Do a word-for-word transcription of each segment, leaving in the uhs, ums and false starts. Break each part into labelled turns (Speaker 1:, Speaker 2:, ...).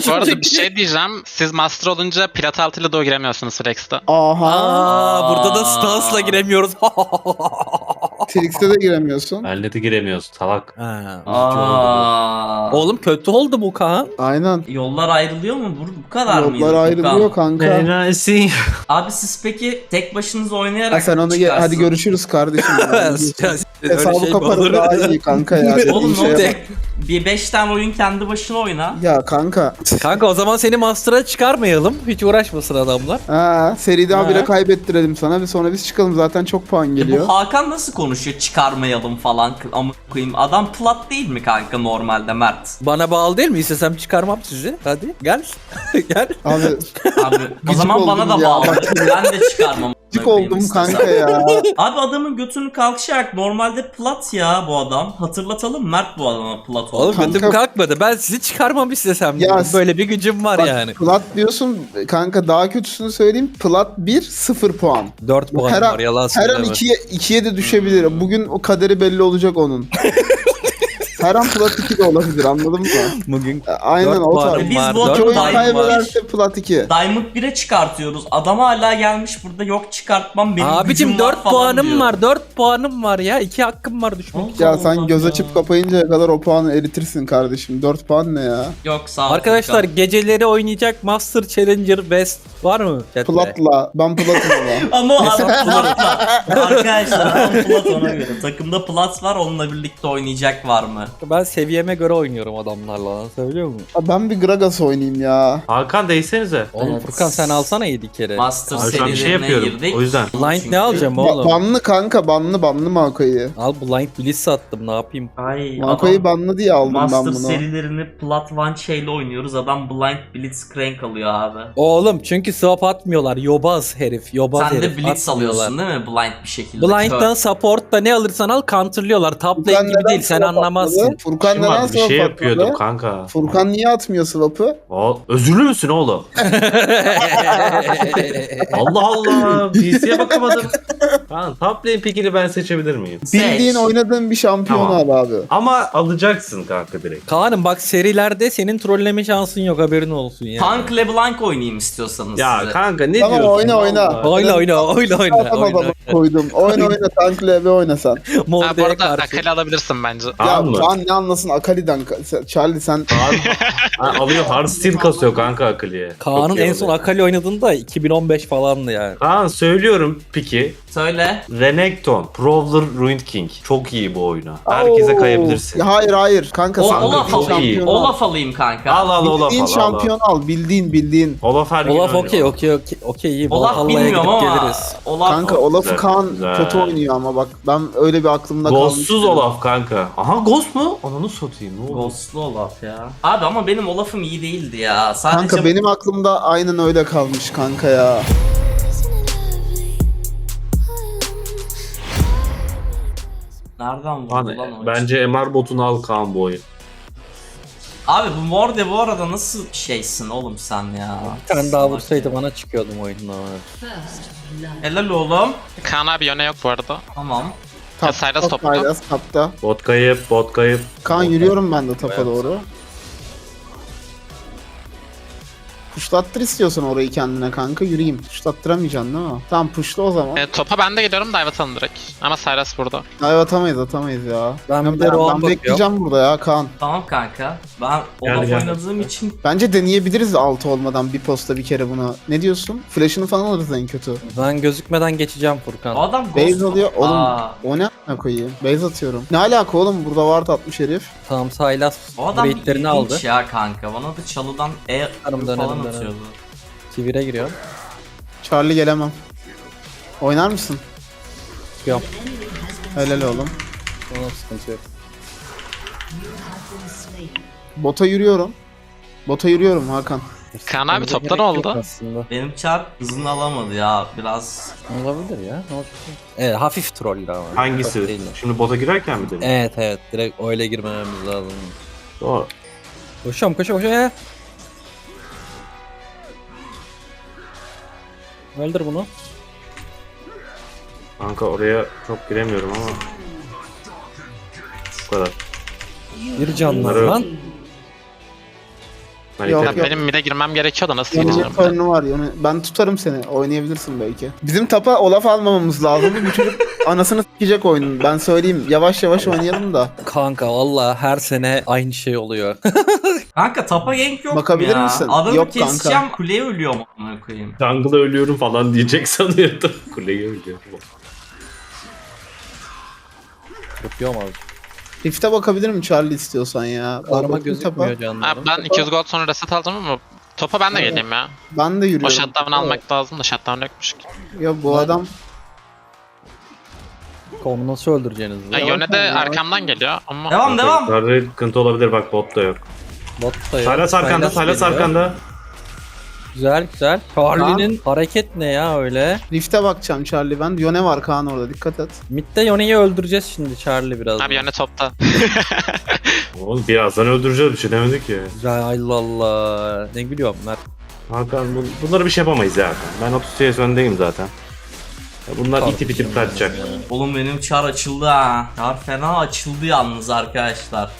Speaker 1: Bu arada bir şey diyeceğim. Siz master olunca plat altıyla da giremiyorsunuz Flex'te.
Speaker 2: Aha.
Speaker 3: Aa, burada da Stans'la giremiyoruz.
Speaker 2: Trix'te de giremiyorsun.
Speaker 4: Benle de giremiyorsun salak.
Speaker 3: Ha,
Speaker 5: Aa.
Speaker 3: oğlum kötü oldu bu Kaan.
Speaker 2: Aynen.
Speaker 5: Yollar ayrılıyor mu? Bu, bu kadar mıydı?
Speaker 2: Yollar ayrılıyor
Speaker 5: Furkan?
Speaker 2: kanka.
Speaker 4: Neresin?
Speaker 5: Abi siz peki tek başınıza oynayarak
Speaker 2: Ha, sen onu ge-
Speaker 5: çıkarsın.
Speaker 2: hadi görüşürüz kardeşim.
Speaker 3: Öyle
Speaker 2: Hesabı
Speaker 3: şey mi
Speaker 2: kaparım
Speaker 3: olur?
Speaker 2: daha iyi kanka ya.
Speaker 5: Oğlum
Speaker 2: Dediğin
Speaker 5: ne
Speaker 2: şeye
Speaker 5: olacak? Bir beş tane oyun kendi başına oyna.
Speaker 2: bak. Ya kanka.
Speaker 3: Kanka o zaman seni Master'a çıkarmayalım. Hiç uğraşmasın adamlar.
Speaker 2: Ha, seride
Speaker 3: Ha.
Speaker 2: habire kaybettirelim sana ve sonra biz çıkalım, zaten çok puan
Speaker 5: E
Speaker 2: geliyor.
Speaker 5: bu Hakan nasıl konuşuyor? Çıkarmayalım falan. Ama koyayım. Adam plat değil mi kanka normalde Mert?
Speaker 3: Bana bağlı değil mi? İstesem çıkarmam sizi. Hadi gel. Gel.
Speaker 2: Abi
Speaker 5: Abi o
Speaker 2: Gıcık
Speaker 5: zaman bana
Speaker 2: oldum
Speaker 5: da
Speaker 2: ya.
Speaker 5: bağlı. Ben de çıkarmam.
Speaker 2: gıcık oldum kanka ya.
Speaker 5: Abi adamın götünü kalkışarak normalde plat ya bu adam. Hatırlatalım Mert bu adama plat oldu.
Speaker 3: Oğlum
Speaker 2: Kanka-
Speaker 3: götüm kalkmadı. Ben sizi çıkarmam istesem.
Speaker 2: Ya,
Speaker 3: Böyle bir gücüm var
Speaker 2: Bak,
Speaker 3: yani.
Speaker 2: plat diyorsun kanka, daha kötüsünü söyleyeyim. Plat bir sıfır puan.
Speaker 3: dört puan
Speaker 2: Her
Speaker 3: var
Speaker 2: an,
Speaker 3: yalan
Speaker 2: her an
Speaker 3: söyleme.
Speaker 2: ikiye, ikiye de düşebilir. Bugün o kaderi belli olacak onun. Her an plat iki de olabilir, anladın mı?
Speaker 3: Bugün
Speaker 2: Aynen
Speaker 3: dört
Speaker 2: o
Speaker 3: puanım
Speaker 2: tarz.
Speaker 5: Biz
Speaker 3: var,
Speaker 5: bu
Speaker 3: dört
Speaker 2: İki oyun
Speaker 5: Diamond
Speaker 3: puanım var.
Speaker 2: kaybederse plat iki.
Speaker 5: Diamond bire çıkartıyoruz. Adam hala gelmiş burada yok çıkartmam benim
Speaker 3: Abicim
Speaker 5: gücüm var
Speaker 3: dört
Speaker 5: falan
Speaker 3: puanım
Speaker 5: diyor.
Speaker 3: var. dört puanım var ya. iki hakkım var düşmek.
Speaker 5: Allah
Speaker 2: Ya sen
Speaker 5: Allah
Speaker 2: göz
Speaker 5: ya.
Speaker 2: açıp kapayıncaya kadar o puanı eritirsin kardeşim. dört puan ne ya?
Speaker 5: Yok sağ ol.
Speaker 3: Arkadaşlar
Speaker 5: Furkan.
Speaker 3: geceleri oynayacak Master Challenger Best var mı? chatte?
Speaker 2: Platla. Ben platım ama.
Speaker 5: Ama o adam plat. Arkadaşlar adam plat ona göre. Takımda plat var onunla birlikte oynayacak var mı?
Speaker 3: Ben seviyeme göre oynuyorum adamlarla. Söylüyor musun?
Speaker 2: Ya ben bir Gragas oynayayım ya.
Speaker 4: Hakan değsenize.
Speaker 3: Oğlum
Speaker 5: Evet.
Speaker 3: Furkan sen alsana yedi kere.
Speaker 5: Master
Speaker 4: Abi şu an bir şey
Speaker 5: serilerine
Speaker 4: yapıyorum.
Speaker 5: girdik.
Speaker 4: O yüzden.
Speaker 3: Blind
Speaker 5: Çünkü-
Speaker 3: ne alacağım
Speaker 2: Ba-
Speaker 3: oğlum?
Speaker 2: banlı kanka, banlı banlı Maokai'yi.
Speaker 3: Al Blind Blitz sattım ne yapayım?
Speaker 5: Ay
Speaker 2: Maokai'yi
Speaker 5: adam
Speaker 2: banlı diye aldım
Speaker 5: Master
Speaker 2: ben bunu.
Speaker 5: serilerini plat one şeyle oynuyoruz. Adam Blind Blitzcrank alıyor abi.
Speaker 3: Oğlum çünkü swap atmıyorlar. Yobaz herif. Yobaz
Speaker 5: Sen
Speaker 3: herif.
Speaker 5: de Blitz
Speaker 3: atmıyorlar.
Speaker 5: alıyorsun değil mi? Blind bir şekilde.
Speaker 3: Blind'dan support'ta ne alırsan al counterlıyorlar. Top lane gibi
Speaker 2: neden
Speaker 3: değil sen
Speaker 2: swap
Speaker 3: anlamazsın.
Speaker 2: atmadı? Furkan
Speaker 4: Kim
Speaker 2: neden
Speaker 4: vardı? Bir
Speaker 2: swap
Speaker 4: şey
Speaker 2: atmadı?
Speaker 4: yapıyordum kanka.
Speaker 2: Furkan niye atmıyor swap'ı?
Speaker 4: O, özürlü müsün oğlum? Allah Allah. P C'ye bakamadım. Tamam, top lane pickini ben seçebilir miyim?
Speaker 2: Bildiğin oynadığın bir şampiyon
Speaker 4: Tamam.
Speaker 2: al abi.
Speaker 4: Ama alacaksın kanka direkt.
Speaker 3: Kaan'ım bak serilerde senin trolleme şansın yok haberin olsun ya.
Speaker 5: Tank LeBlanc oynayayım istiyorsanız
Speaker 4: Ya
Speaker 5: size.
Speaker 4: kanka ne
Speaker 2: Tamam,
Speaker 4: diyorsun?
Speaker 2: oyna, oyna.
Speaker 4: Vallahi.
Speaker 3: Oyna oyna oyna oyna.
Speaker 2: Adam
Speaker 3: oyna.
Speaker 2: adamı koydum. Oyna oyna tank L B oyna sen.
Speaker 1: Ha, bu
Speaker 3: Morde'ye
Speaker 1: arada
Speaker 3: karşı.
Speaker 1: Akali alabilirsin bence.
Speaker 2: Ya
Speaker 4: Tamam mı?
Speaker 2: Kaan ne anlasın Akali'den. Sen- Charlie sen
Speaker 4: Ha, alıyor hard steel kasıyor kanka Akali'ye.
Speaker 3: Kaan'ın
Speaker 4: Çok iyi
Speaker 3: en son
Speaker 4: oluyor.
Speaker 3: Akali oynadığında iki bin on beş falandı yani.
Speaker 4: Kaan söylüyorum piki.
Speaker 5: Söyle.
Speaker 4: Renekton, Prowler, Ruined King. Çok iyi bu oyuna. Herkese
Speaker 2: Oo.
Speaker 4: kayabilirsin.
Speaker 2: Ya hayır hayır kanka
Speaker 5: O,
Speaker 2: sen
Speaker 5: Olaf
Speaker 4: çok
Speaker 2: bildiğin
Speaker 4: iyi.
Speaker 5: alayım.
Speaker 2: şampiyonu al.
Speaker 5: Olaf alayım kanka.
Speaker 4: Al al Olaf
Speaker 2: Bildiğin
Speaker 4: al. al,
Speaker 2: şampiyon al. Bildiğin bildiğin.
Speaker 4: al. Olaf her gün
Speaker 3: Olaf
Speaker 4: oynuyor.
Speaker 3: okey okey okey okey iyi.
Speaker 5: Olaf
Speaker 3: Valhalla'ya
Speaker 5: bilmiyorum
Speaker 3: gidip
Speaker 5: ama.
Speaker 3: geliriz.
Speaker 5: Olaf
Speaker 2: Kanka Olaf'ı
Speaker 4: Güzel,
Speaker 2: Kaan
Speaker 4: güzel.
Speaker 2: kötü oynuyor ama bak ben öyle bir aklımda kalmış.
Speaker 4: Ghostsuz Olaf kanka. Aha Ghost mu? Ananı satayım ne oldu?
Speaker 5: Ghostlu Olaf ya. Abi ama benim Olaf'ım iyi değildi ya. Sadece
Speaker 2: Kanka benim aklımda aynen öyle kalmış kanka ya.
Speaker 5: nereden vurdu
Speaker 4: Hani,
Speaker 5: lan o?
Speaker 4: bence M R botunu al Kaan bu oyun.
Speaker 5: Abi bu Morde bu arada nasıl şeysin oğlum sen ya?
Speaker 3: Bir tane daha vursaydı bana çıkıyordum oyundan.
Speaker 5: Helal oğlum.
Speaker 1: Kaan abi yöne yok bu arada.
Speaker 5: Tamam.
Speaker 1: Ya Sylas topta.
Speaker 2: Sylas tapta.
Speaker 4: Bot kayıp, bot kayıp.
Speaker 2: Kaan yürüyorum ben de tapa
Speaker 3: Evet.
Speaker 2: doğru. Pushlattır istiyorsan orayı kendine kanka, yürüyeyim. Pushlattıramayacaksın değil mi? Tamam pushla o zaman.
Speaker 1: E, topa ben de geliyorum dive atalım direkt. Ama Sylas burada.
Speaker 2: Hayır atamayız atamayız ya.
Speaker 3: Ben
Speaker 2: Ben,
Speaker 3: bir de Rohan
Speaker 2: ben
Speaker 3: bakıyorum.
Speaker 2: bekleyeceğim burada ya Kaan.
Speaker 5: Tamam kanka. Ben
Speaker 4: Gel,
Speaker 5: Olaf
Speaker 4: gel.
Speaker 5: oynadığım için
Speaker 2: Bence deneyebiliriz altı olmadan bir posta bir kere buna. Ne diyorsun? Flash'ını falan alırız en kötü.
Speaker 3: Ben gözükmeden geçeceğim
Speaker 5: o
Speaker 3: Furkan.
Speaker 5: adam Ghost...
Speaker 2: Base alıyor. Oğlum
Speaker 5: Aa,
Speaker 2: o ne a**ına koyayım? Base atıyorum. Ne alaka oğlum? Burada ward atmış herif.
Speaker 3: Tamam Sylas
Speaker 5: o adam bir
Speaker 3: raidlerini
Speaker 5: ilginç
Speaker 3: aldı.
Speaker 5: ya kanka. Bana da çalıdan E
Speaker 3: Dönelim,
Speaker 5: falan
Speaker 3: dönelim, dönelim.
Speaker 5: atıyordu.
Speaker 3: Sivire giriyor.
Speaker 2: Charlie gelemem. Oynar mısın?
Speaker 3: Çıkıyorum.
Speaker 2: Helal oğlum.
Speaker 3: Ona sıkıntı yok.
Speaker 2: Bota yürüyorum. Bota yürüyorum Hakan.
Speaker 1: Kaan abi
Speaker 3: Bence
Speaker 1: topta ne
Speaker 3: gerek yok
Speaker 1: oldu?
Speaker 3: Aslında.
Speaker 5: Benim çar hızını alamadı ya biraz.
Speaker 3: Olabilir ya. Ne olacak? Evet hafif trollü ama. Çok
Speaker 4: Hangisi?
Speaker 3: değil.
Speaker 4: Şimdi bota girerken mi dedin?
Speaker 3: Evet evet direkt öyle girmememiz lazım.
Speaker 4: Doğru.
Speaker 3: Koşuyorum koşuyorum koşuyorum. Öldür bunu.
Speaker 4: Kanka oraya çok giremiyorum ama. Bu kadar.
Speaker 3: Bir canlı
Speaker 4: Bunları-
Speaker 3: lan.
Speaker 6: Ben
Speaker 2: Yok,
Speaker 6: iterim.
Speaker 2: yok.
Speaker 1: Benim mid'e girmem gerekiyor da nasıl
Speaker 2: Yeni
Speaker 1: gireceğim?
Speaker 2: turnu var yani. Ben tutarım seni. Oynayabilirsin belki. Bizim tapa Olaf almamamız lazım. Bu çocuk anasını s**ecek oyunun. Ben söyleyeyim. Yavaş yavaş oynayalım da.
Speaker 3: Kanka valla her sene aynı şey oluyor.
Speaker 5: Kanka tapa gank yok
Speaker 2: Bakabilir
Speaker 5: mu ya?
Speaker 2: misin?
Speaker 5: Adamı
Speaker 2: Yok kanka.
Speaker 5: keseceğim kuleye ölüyorum amına koyayım.
Speaker 6: Jungle'a ölüyorum falan diyecek sanıyordum. Kuleye ölüyorum.
Speaker 3: Yapıyorum abi.
Speaker 2: Rift'e bakabilirim Charlie istiyorsan ya. Bak
Speaker 3: Arama
Speaker 2: bakayım
Speaker 3: gözükmüyor
Speaker 2: tapa.
Speaker 3: canlarım.
Speaker 1: Abi ben iki yüz gold sonra reset aldım ama topa ben de
Speaker 2: Evet.
Speaker 1: geleyim ya.
Speaker 2: Ben de
Speaker 1: O
Speaker 2: yürüyorum.
Speaker 1: shutdown almak lazım da shutdown yokmuş ki.
Speaker 2: Ya bu adam
Speaker 3: Onu nasıl öldüreceğiniz?
Speaker 1: Ya
Speaker 3: Ya,
Speaker 1: Yone de
Speaker 2: ya.
Speaker 1: arkamdan geliyor ama
Speaker 5: Devam devam.
Speaker 6: Yukarıda sıkıntı olabilir bak bot da yok.
Speaker 3: bot da yok.
Speaker 6: Sylas arkanda,
Speaker 3: Sylas
Speaker 6: Sylas
Speaker 3: geliyor.
Speaker 6: arkanda.
Speaker 3: Güzel güzel. Charlie'nin hareket ne ya öyle?
Speaker 2: Rift'e bakacağım Charlie ben. Yone var Kaan orada dikkat et.
Speaker 3: Mid'de Yone'yi öldüreceğiz şimdi Charlie biraz.
Speaker 1: abi Yone topta.
Speaker 6: Oğlum birazdan öldüreceğiz bir şey demedik ya.
Speaker 3: Güzel Allah Allah. Ne gülüyorum Mert.
Speaker 6: Hakan bu, bunları bir şey yapamayız ya Hakan. Ben otuz C S öndeyim zaten. Ya bunlar
Speaker 3: Tabii
Speaker 6: itip itip kaçacak.
Speaker 5: Oğlum benim çar açıldı ha. Çar fena açıldı yalnız arkadaşlar.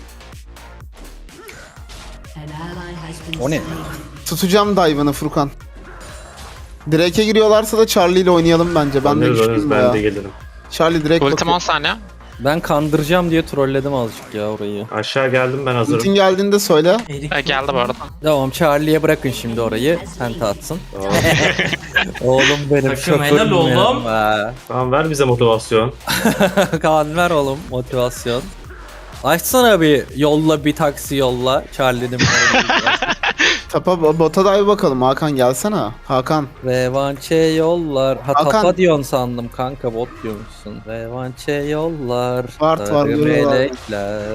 Speaker 3: O ne?
Speaker 2: Tutacağım dive'ını Furkan. Drake'e giriyorlarsa da Charlie ile oynayalım bence. Ben de
Speaker 6: Oynarız, oynarız,
Speaker 2: güçlüyüm
Speaker 6: ben
Speaker 2: ya.
Speaker 6: de gelirim.
Speaker 2: Charlie direkt
Speaker 1: Ultim
Speaker 2: bakıyor.
Speaker 1: on saniye.
Speaker 3: Ben kandıracağım diye trolledim azıcık ya orayı.
Speaker 6: Aşağı geldim ben hazırım.
Speaker 2: Ultin geldiğinde söyle.
Speaker 5: Erik
Speaker 1: E, geldi bu arada.
Speaker 3: Tamam Charlie'ye bırakın şimdi orayı. Penta atsın.
Speaker 6: Tamam.
Speaker 3: Oğlum benim
Speaker 5: Takım
Speaker 3: şoförüm
Speaker 5: helal oğlum.
Speaker 3: ya.
Speaker 6: Tamam ver bize motivasyon.
Speaker 3: Kaan ver oğlum motivasyon. Açsana bir yolla bir taksi yolla. Charlie'nin
Speaker 2: Tapa bota dive bakalım. Hakan gelsene. Hakan.
Speaker 3: Revanche yollar. Ha
Speaker 2: Hakan.
Speaker 3: tapa diyorsun sandım kanka bot diyormuşsun. Revanche yollar.
Speaker 2: Var, var,
Speaker 3: sarı
Speaker 2: yolu var.
Speaker 3: melekler.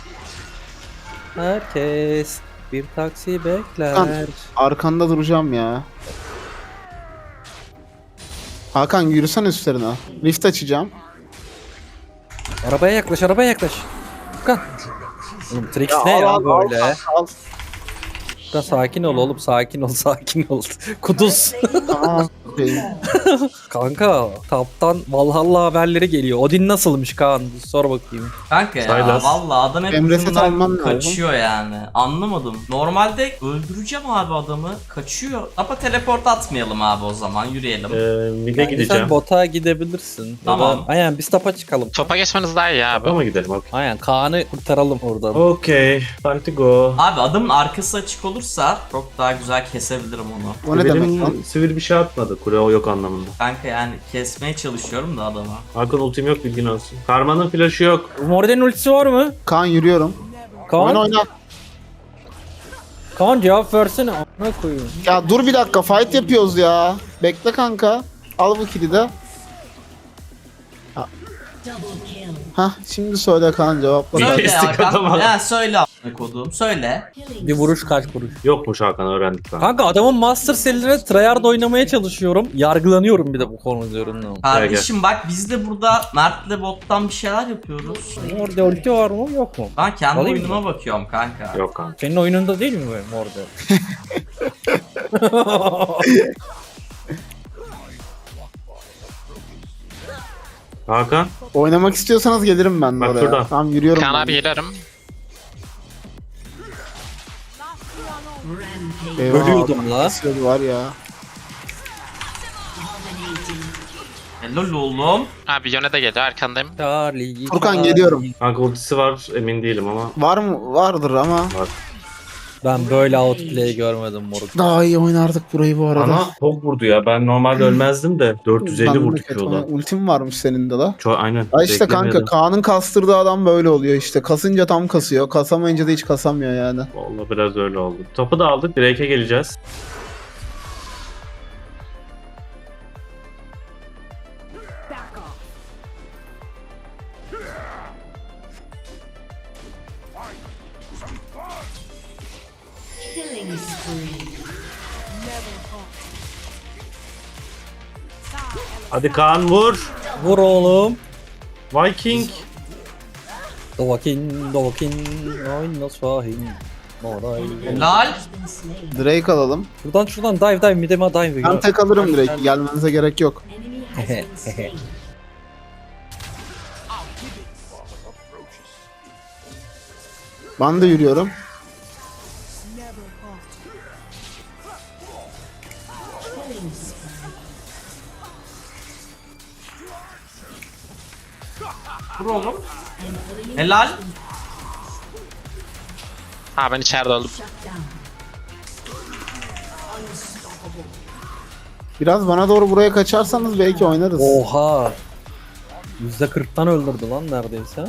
Speaker 3: Herkes bir taksi bekler.
Speaker 2: Hakan. Arkanda duracağım ya. Hakan yürüsene üstlerine. Rift açacağım.
Speaker 3: Arabaya yaklaş arabaya yaklaş. Hakan. Oğlum Trix ne
Speaker 2: al,
Speaker 3: ya
Speaker 2: al, al,
Speaker 3: böyle?
Speaker 2: al.
Speaker 3: Hakan sakin ol oğlum sakin ol sakin ol. Kuduz.
Speaker 2: Aa, okey.
Speaker 3: Kanka taptan Valhalla haberleri geliyor. Odin nasılmış Kaan? Sor bakayım.
Speaker 5: Kanka ya
Speaker 6: Sylas.
Speaker 5: valla adam hep
Speaker 2: Emre set
Speaker 5: ucundan
Speaker 2: alman lazım.
Speaker 5: kaçıyor yani. Anlamadım. Normalde öldüreceğim abi adamı. Kaçıyor. Ama teleport atmayalım abi o zaman. Yürüyelim.
Speaker 6: Ee, mid'e
Speaker 3: Yani
Speaker 6: gideceğim.
Speaker 3: sen bota gidebilirsin.
Speaker 5: Tamam.
Speaker 3: Ya da, aynen biz tapa çıkalım.
Speaker 1: Topa geçmeniz daha iyi abi.
Speaker 6: Ama gidelim okey.
Speaker 3: Aynen Kaan'ı kurtaralım oradan.
Speaker 6: Okey. Time to go.
Speaker 5: Abi adamın arkası açık olursa çok daha güzel kesebilirim onu.
Speaker 2: O ne
Speaker 6: Benim
Speaker 2: demek lan?
Speaker 6: sivil bir şey atmadı. Kule o yok anlamında.
Speaker 5: Kanka yani kesmeye çalışıyorum da adama.
Speaker 6: Hakan ultim yok bilgin olsun. Karma'nın flash'ı yok.
Speaker 3: Morden'in ultisi var mı?
Speaker 2: Kaan yürüyorum.
Speaker 3: Kaan,
Speaker 2: Oyna oyna.
Speaker 3: Kaan cevap versene. Amına koyayım.
Speaker 2: Ya dur bir dakika fight yapıyoruz ya. Bekle kanka. Al bu kili de. Ha. Hah şimdi söyle Kaan cevapla.
Speaker 6: Bir
Speaker 5: Söyle
Speaker 6: kestik adamı.
Speaker 5: Hakan. Ya söyle a**ına kodum. Söyle.
Speaker 3: Bir vuruş kaç vuruş.
Speaker 6: Yokmuş Hakan öğrendik lan.
Speaker 3: Kanka adamın Master serilerine tryhard oynamaya çalışıyorum. Yargılanıyorum bir de bu konu üzerinden.
Speaker 5: Kardeşim bak biz de burada Mert'le bottan bir şeyler yapıyoruz.
Speaker 3: Morde ulti var mı yok mu?
Speaker 5: Ben kendi
Speaker 3: Alayım
Speaker 5: oyunuma bakıyorum kanka.
Speaker 6: Yok kanka.
Speaker 3: Senin oyununda değil mi böyle Morde?
Speaker 6: Hakan.
Speaker 2: Oynamak istiyorsanız gelirim ben de
Speaker 6: Bak
Speaker 2: oraya.
Speaker 6: şurada.
Speaker 2: Tamam yürüyorum.
Speaker 1: Kaan
Speaker 2: ben.
Speaker 1: abi gelirim.
Speaker 2: Eyvah,
Speaker 3: Ölüyordum la.
Speaker 2: kesiyordu var ya.
Speaker 5: Helal oğlum.
Speaker 1: Abi Yone de geliyor arkandayım.
Speaker 3: Charlie.
Speaker 2: Furkan
Speaker 3: Charlie.
Speaker 2: geliyorum.
Speaker 6: Kanka ultisi var emin değilim ama.
Speaker 2: Var mı? Vardır ama.
Speaker 6: Var.
Speaker 3: Ben böyle outplay görmedim moruk.
Speaker 2: Daha iyi oynardık burayı bu arada.
Speaker 6: Ana çok vurdu ya. Ben normalde ölmezdim de. dört yüz elli
Speaker 2: Ben de
Speaker 6: vurdu
Speaker 2: kötü
Speaker 6: Q'da.
Speaker 2: oynadım. Ultim varmış senin de la.
Speaker 6: Çok aynen.
Speaker 2: Ya işte kanka
Speaker 6: Beklemiyordum.
Speaker 2: Kaan'ın kastırdığı adam böyle oluyor işte. Kasınca tam kasıyor. Kasamayınca da hiç kasamıyor yani.
Speaker 6: Vallahi biraz öyle oldu. Topu da aldık. Drake'e geleceğiz.
Speaker 7: Killing spree.
Speaker 6: Hadi Kaan vur.
Speaker 3: Vur oğlum.
Speaker 6: Viking.
Speaker 3: Dovakin, Dovakin, oyna Şahin. Moray.
Speaker 5: Helal.
Speaker 2: Drake alalım.
Speaker 3: Şuradan şuradan dive dive mideme dive.
Speaker 2: Ben tek alırım Drake. Gelmenize gerek yok.
Speaker 7: Enemy has been slain.
Speaker 2: Ben de yürüyorum.
Speaker 5: Vur oğlum. Helal.
Speaker 1: Ha ben içeride öldüm.
Speaker 2: Biraz bana doğru buraya kaçarsanız belki oynarız.
Speaker 3: Oha. yüzde kırktan öldürdü lan neredeyse.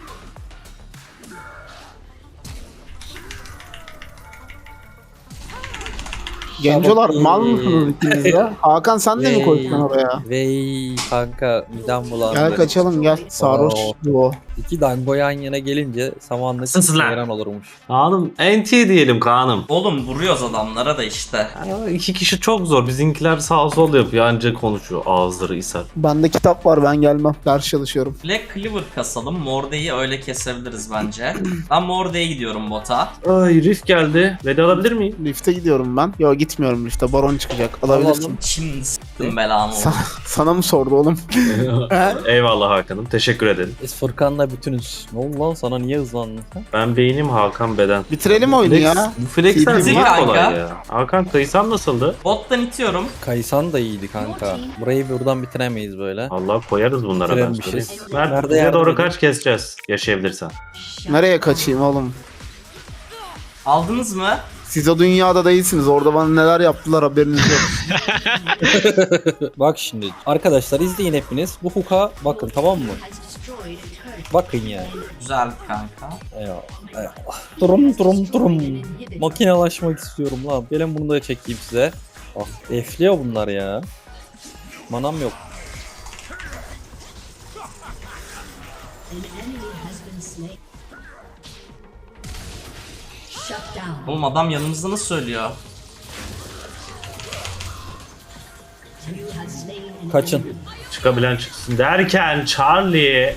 Speaker 2: Gencolar
Speaker 3: Çabuk
Speaker 2: mal
Speaker 3: iyi.
Speaker 2: mısınız ikiniz de? Hakan sen de mi
Speaker 3: Vey.
Speaker 2: koştun oraya?
Speaker 3: Vey kanka midem bulandı.
Speaker 2: Gel kaçalım gel. Sarhoş
Speaker 3: Oo.
Speaker 2: bu.
Speaker 3: İki dango yan yana gelince samanlık
Speaker 6: Sızlar.
Speaker 3: hayran olurmuş.
Speaker 6: Kaan'ım N T diyelim Kaan'ım.
Speaker 5: Oğlum vuruyoruz adamlara da işte.
Speaker 6: Ya, iki kişi çok zor. Bizimkiler sağ sol yapıyor. Anca konuşuyor. Ağızları isar.
Speaker 2: Bende kitap var ben gelmem. Ders çalışıyorum.
Speaker 5: Black Cleaver kasalım. Morde'yi öyle kesebiliriz bence. Ben Morde'ye gidiyorum bota.
Speaker 6: Ay Rift geldi. Veda alabilir miyim?
Speaker 2: Lift'e gidiyorum ben. Yo gitmiyorum Lift'e. Baron çıkacak. Alabilirsin.
Speaker 3: Alalım.
Speaker 5: Şimdi s**tım belamı
Speaker 2: Sa-
Speaker 5: oğlum.
Speaker 2: sana mı sordu oğlum?
Speaker 6: Eyvallah Hakan'ım. Teşekkür ederim.
Speaker 3: Biz Furkan'la bütünüz. Ne oldu lan sana niye hızlandın sen?
Speaker 6: Ben beynim Hakan beden.
Speaker 2: Bitirelim oyunu
Speaker 6: Flex-
Speaker 2: ya.
Speaker 6: Bu flexler
Speaker 2: Bizi
Speaker 6: niye
Speaker 5: kanka.
Speaker 6: kolay ya? Hakan kayısan nasıldı?
Speaker 5: Bottan itiyorum.
Speaker 3: Kaysan da iyiydi kanka. Burayı buradan bitiremeyiz böyle.
Speaker 6: Allah koyarız bunlara ben
Speaker 3: Bitiremişiz.
Speaker 6: söyleyeyim. Mert
Speaker 3: Nerede
Speaker 6: bize
Speaker 3: yardım
Speaker 6: doğru
Speaker 3: edin?
Speaker 6: kaç keseceğiz yaşayabilirsen.
Speaker 2: Nereye kaçayım oğlum?
Speaker 5: Aldınız mı?
Speaker 2: Siz o dünyada değilsiniz. Orada bana neler yaptılar haberiniz yok.
Speaker 3: Bak şimdi arkadaşlar izleyin hepiniz. Bu huka bakın tamam mı? Bakın yani.
Speaker 5: Güzel kanka.
Speaker 3: Eyvallah. Eyvallah. Durum durum durum. Makinalaşmak istiyorum lan. Gelin bunu da çekeyim size. Ah efliyor bunlar ya. Manam yok.
Speaker 7: Shut down.
Speaker 5: Oğlum adam yanımızda nasıl söylüyor?
Speaker 7: You have slain an
Speaker 3: Kaçın.
Speaker 6: Çıkabilen çıksın derken Charlie.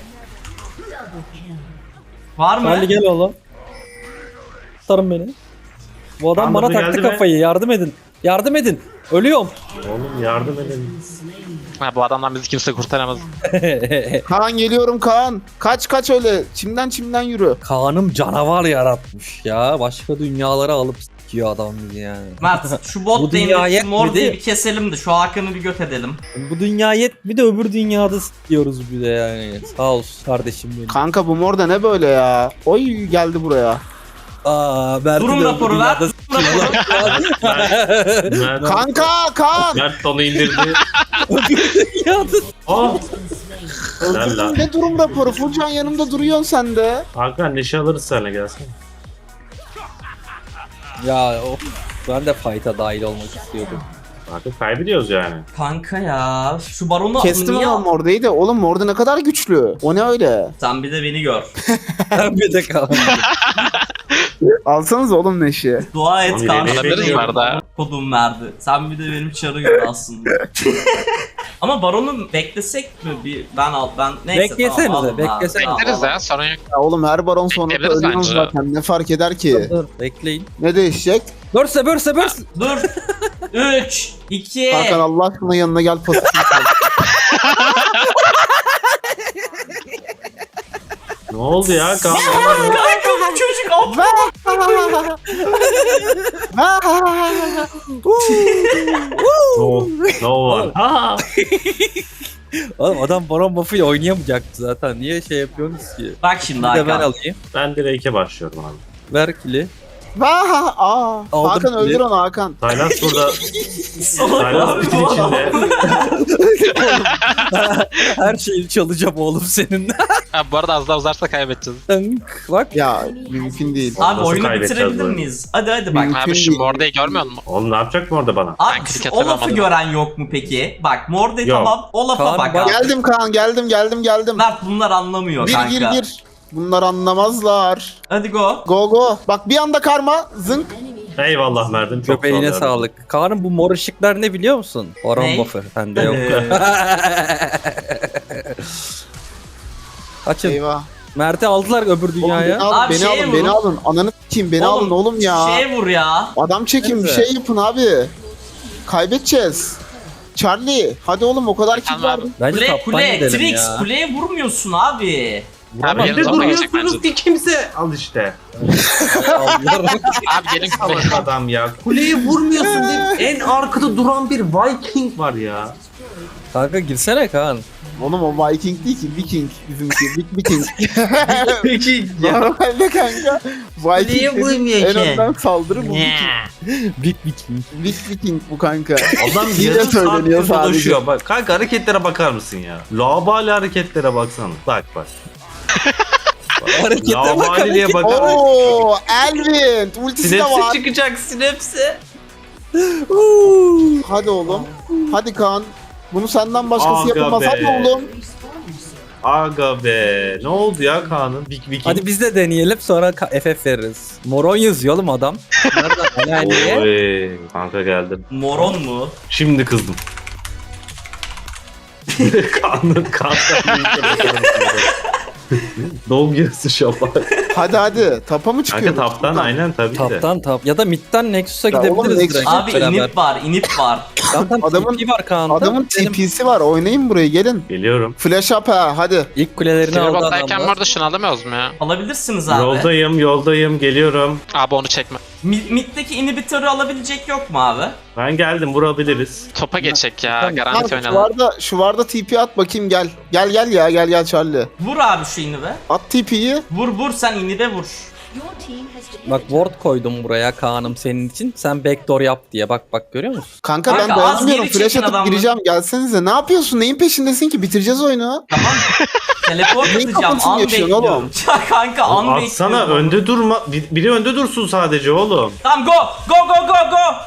Speaker 5: Var mı?
Speaker 3: Charlie gel oğlum. Tutarım beni. Bu adam
Speaker 6: Anladı,
Speaker 3: bana taktı
Speaker 6: geldi mi?
Speaker 3: kafayı. Yardım edin. Yardım edin. Ölüyorum.
Speaker 6: Oğlum yardım edin.
Speaker 1: Ha, bu adamdan bizi kimse kurtaramaz.
Speaker 2: Kaan geliyorum Kaan. Kaç kaç öyle. Çimden çimden yürü.
Speaker 3: Kaan'ım canavar yaratmış ya. Başka dünyalara alıp sikiyor adam bizi yani.
Speaker 5: Mert şu
Speaker 3: Bu
Speaker 5: bot
Speaker 3: dünya
Speaker 5: lane'deki
Speaker 3: yetmedi.
Speaker 5: Morde'yi bir keselim de şu Hakan'ı bir göt edelim.
Speaker 3: Bu dünya yet bir de öbür dünyada sikiyoruz bir de yani. Sağ olsun kardeşim benim.
Speaker 2: Kanka bu mor da ne böyle ya? Oy geldi buraya.
Speaker 3: Aa, Mert'i
Speaker 5: Durum
Speaker 3: de öbür
Speaker 5: raporu ver.
Speaker 3: dünyada
Speaker 6: Mert,
Speaker 2: Kanka Kaan.
Speaker 6: Mert onu indirdi.
Speaker 3: dünyada
Speaker 6: Oh. Helal lan.
Speaker 2: Ne durum raporu? Furcan yanımda duruyorsun sen de.
Speaker 6: Hakan neşe alırız seninle gelsene.
Speaker 3: Ya of, ben de fight'a dahil olmak istiyordum.
Speaker 6: Artık kaybediyoruz yani.
Speaker 5: Kanka ya şu baronu
Speaker 2: Kestim
Speaker 5: niye
Speaker 2: ama Morde'yi de. Oğlum Morde ne kadar güçlü. O ne öyle?
Speaker 5: Sen bir de beni gör.
Speaker 3: Ben bir de kaldım.
Speaker 2: Alsanız oğlum Neşi.
Speaker 5: Dua et
Speaker 6: Oğlum,
Speaker 5: kanka.
Speaker 6: yemeği
Speaker 1: Alabiliriz
Speaker 6: bekliyorum.
Speaker 1: bu arada.
Speaker 5: Kodum verdi. Sen bir de benim çarı gör aslında. Ama baronu beklesek mi? Bir ben al ben neyse
Speaker 3: Beklesenize,
Speaker 5: tamam, alın abi.
Speaker 3: beklesenize.
Speaker 5: Tamam,
Speaker 1: Bekleriz
Speaker 5: alın.
Speaker 1: ya sorun yok.
Speaker 2: Ya oğlum her baron sonunda
Speaker 1: Bekleyebiliriz
Speaker 2: ölüyoruz
Speaker 1: bence.
Speaker 2: zaten. Ne fark eder ki?
Speaker 3: Dur bekleyin.
Speaker 2: Ne değişecek?
Speaker 3: Börse börse börse.
Speaker 5: Dur. üç iki
Speaker 2: Hakan Allah aşkına yanına gel pasifini sal.
Speaker 6: Ne oldu ya Kaan?
Speaker 5: Kanka bu çocuk al.
Speaker 6: No, no one. Ha!
Speaker 3: Oğlum adam baron buff'ıyla oynayamayacaktı zaten. Niye şey yapıyorsunuz ki?
Speaker 5: Bak şimdi
Speaker 3: Bir de ben
Speaker 5: Hakan.
Speaker 3: alayım.
Speaker 6: Ben direk'e başlıyorum abi.
Speaker 3: Ver kili.
Speaker 2: Vah! Aa,
Speaker 3: Aldım
Speaker 2: Hakan
Speaker 3: bile.
Speaker 2: öldür onu Hakan.
Speaker 6: Tayland burada. Tayland bitin içinde.
Speaker 3: Her şeyi çalacağım oğlum senin.
Speaker 1: Ha, bu arada az daha uzarsa kaybedeceğiz.
Speaker 3: Tınk. Bak.
Speaker 2: Ya mümkün değil.
Speaker 5: Abi
Speaker 6: Nasıl
Speaker 5: oyunu
Speaker 6: kaybedeceğiz
Speaker 5: bitirebilir
Speaker 6: bu oyunu?
Speaker 5: miyiz? Hadi hadi bak.
Speaker 1: Abi şu Morde'yi görmüyor musun?
Speaker 6: Oğlum ne yapacak mı orada bana?
Speaker 5: Abi
Speaker 1: Ben
Speaker 5: şu-
Speaker 1: kriket
Speaker 5: o lafı
Speaker 1: yapamadım.
Speaker 5: gören yok mu peki? Bak Morde
Speaker 6: Yok.
Speaker 5: tamam o lafa
Speaker 3: Kaan
Speaker 5: bak
Speaker 3: bak-
Speaker 5: abi.
Speaker 2: Geldim Kaan geldim geldim geldim.
Speaker 5: Mert bunlar anlamıyor
Speaker 2: Gir
Speaker 5: kanka.
Speaker 2: gir gir. Bunlar anlamazlar.
Speaker 5: Hadi go.
Speaker 2: Go go. Bak bir anda karma. Zınk.
Speaker 6: Eyvallah Mert'im. Çok
Speaker 3: Köpeğine
Speaker 6: sağ ol.
Speaker 3: sağlık. Kaan'ın bu mor ışıklar ne biliyor musun? Baron
Speaker 5: Ne?
Speaker 3: buff'ı. Bende yok.
Speaker 5: Ee,
Speaker 3: Kaçın.
Speaker 2: Eyvah.
Speaker 3: Mert'i aldılar öbür
Speaker 2: Oğlum, beni
Speaker 3: dünyaya.
Speaker 2: alın,
Speaker 5: Abi
Speaker 2: beni
Speaker 5: şeye
Speaker 2: alın, beni
Speaker 5: vurun.
Speaker 2: alın. Ananı s**eyim, beni alın oğlum ya.
Speaker 5: Şeye vur ya.
Speaker 2: Adam çekin bir
Speaker 3: Neyse.
Speaker 2: şey yapın abi. Kaybedeceğiz. Charlie, hadi oğlum o kadar kill
Speaker 1: Tamam
Speaker 2: var.
Speaker 1: abi.
Speaker 3: Bence
Speaker 5: Kule
Speaker 3: taptan
Speaker 5: kule
Speaker 3: gidelim
Speaker 5: Trix
Speaker 3: ya.
Speaker 5: kuleye vurmuyorsun abi.
Speaker 1: Abi gelin
Speaker 4: Ne
Speaker 1: topa geçecek
Speaker 4: duruyorsunuz
Speaker 1: bence.
Speaker 4: ki kimse? Al işte.
Speaker 1: Abi gelin
Speaker 4: Salak
Speaker 1: kupaya.
Speaker 4: adam ya. Kuleyi vurmuyorsun diye en arkada duran bir Viking var ya.
Speaker 3: Kanka girsene Kaan.
Speaker 2: Oğlum o Viking değil ki Viking bizimki. Big Viking.
Speaker 4: Peki ya.
Speaker 2: Normalde kanka
Speaker 4: Niye
Speaker 2: Viking
Speaker 4: vurmuyor
Speaker 2: en
Speaker 4: ki?
Speaker 2: önden saldırı bu Viking.
Speaker 3: Big Viking.
Speaker 2: Big Viking bu kanka.
Speaker 4: Adam
Speaker 2: Yine
Speaker 4: yarım
Speaker 2: söyleniyor
Speaker 4: saattir
Speaker 2: sadece.
Speaker 4: dolaşıyor. Bak kanka hareketlere bakar mısın ya? Labali hareketlere baksana. Bak bak.
Speaker 3: Harekete bak.
Speaker 4: Labaliliğe bakar mısın?
Speaker 2: Oo, Elvin ultisi de
Speaker 4: Sinepsi
Speaker 2: var.
Speaker 4: çıkacak sinepsi.
Speaker 2: Hadi oğlum. Hadi Kaan. Bunu senden başkası
Speaker 4: Aga
Speaker 2: yapamaz.
Speaker 4: be.
Speaker 2: Hadi oğlum.
Speaker 4: Aga be. Ne oldu ya Kaan'ın? Big Viking.
Speaker 3: Hadi biz de deneyelim sonra ka- F F veririz. Moron yazıyor oğlum adam. Nereden? Yani.
Speaker 4: Oy, kanka geldim.
Speaker 5: Moron mu?
Speaker 4: Şimdi kızdım. Kaan'ın Kaan'ın Dog yarısı şafak.
Speaker 2: Hadi hadi. Tapa mı çıkıyor?
Speaker 4: Kanka taptan aynen tabii de.
Speaker 3: Taptan tap. Ya da midden Nexus'a
Speaker 2: Ya oğlum,
Speaker 3: gidebiliriz
Speaker 2: Nexus-
Speaker 3: direkt.
Speaker 5: Abi
Speaker 3: beraber.
Speaker 5: inip var, inip var.
Speaker 3: Zaten
Speaker 2: Adamın-
Speaker 3: T P var Kaan'da.
Speaker 2: Adamın
Speaker 3: Benim
Speaker 2: T P'si var. Oynayın burayı gelin.
Speaker 4: Geliyorum.
Speaker 2: Flash up ha hadi.
Speaker 3: İlk kulelerini aldı
Speaker 1: Tribottayken bu
Speaker 3: adamlar.
Speaker 1: arada şunu alamıyoruz mu ya?
Speaker 5: Alabilirsiniz abi.
Speaker 4: Yoldayım yoldayım geliyorum.
Speaker 1: Abi onu çekme.
Speaker 5: Mi- Mid'deki inhibitörü alabilecek yok mu abi?
Speaker 4: Ben geldim vurabiliriz.
Speaker 1: Topa geçecek ya.
Speaker 3: Tamam.
Speaker 1: Garanti
Speaker 2: Kanka şu
Speaker 1: oynayalım.
Speaker 2: varda, şu varda T P at bakayım gel. Gel gel ya gel gel Charlie.
Speaker 5: Vur abi şu inhibe.
Speaker 2: At T P'yi.
Speaker 5: Vur vur sen inhibe vur.
Speaker 7: Your team has defeated
Speaker 3: Bak ward koydum buraya Kaan'ım senin için. Sen backdoor yap diye. Bak bak görüyor musun?
Speaker 2: Kanka,
Speaker 5: Kanka,
Speaker 2: ben
Speaker 5: az
Speaker 2: dayanamıyorum.
Speaker 5: geri
Speaker 2: Flash
Speaker 5: çekin
Speaker 2: atıp
Speaker 5: adamları.
Speaker 2: gireceğim. Gelsenize. Ne yapıyorsun? Neyin peşindesin ki? Bitireceğiz oyunu.
Speaker 5: Tamam. Teleport
Speaker 2: Neyin
Speaker 5: atacağım.
Speaker 2: kafasını
Speaker 5: An
Speaker 2: yaşıyorsun
Speaker 5: bekliyorum.
Speaker 2: oğlum?
Speaker 5: Ya kanka an bekliyorum.
Speaker 4: Atsana önde durma. Bir- Biri önde dursun sadece oğlum.
Speaker 5: Tamam go. Go go go go.
Speaker 7: an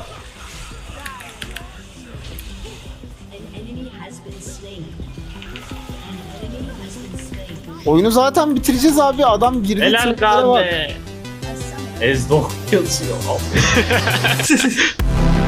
Speaker 7: enemy has been slain. An enemy has been slain.
Speaker 2: Oyunu zaten bitireceğiz abi. Adam girdi.
Speaker 4: Helal
Speaker 2: triplere bak.
Speaker 4: Kaan be.
Speaker 7: A summoner
Speaker 4: Ezdok yazıyor.